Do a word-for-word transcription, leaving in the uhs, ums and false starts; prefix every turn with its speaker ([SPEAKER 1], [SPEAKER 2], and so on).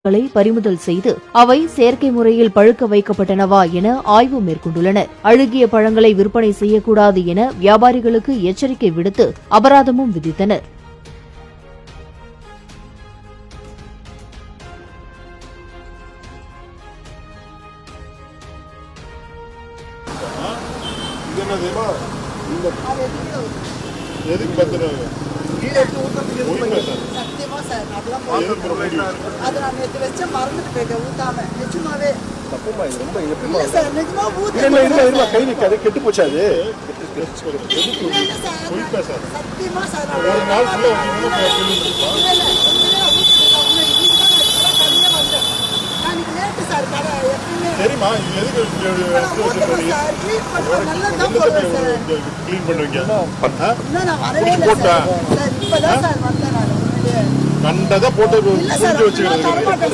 [SPEAKER 1] பறிமுதல் செய்து அவை செயற்கை முறையில் பழுக்க வைக்கப்பட்டனவா என ஆய்வு மேற்கொண்டுள்ளனர். அழுகிய பழங்களை விற்பனை செய்யக்கூடாது என வியாபாரிகளுக்கு எச்சரிக்கை விடுத்து அபராதமும் விதித்தனர்.
[SPEAKER 2] சத்தியமா சார் அது நான் நேற்று வச்ச மறந்துட்டு போயிட்டேன் ஊத்தாம. நிஜமாவே சார் நிஜமா ஊத்த
[SPEAKER 3] கை நிற்காது கெட்டு போச்சு. அது
[SPEAKER 2] சத்தியமா சார்
[SPEAKER 3] சரிம்மா கண்டதை போட்டு வச்சுக்கிறது.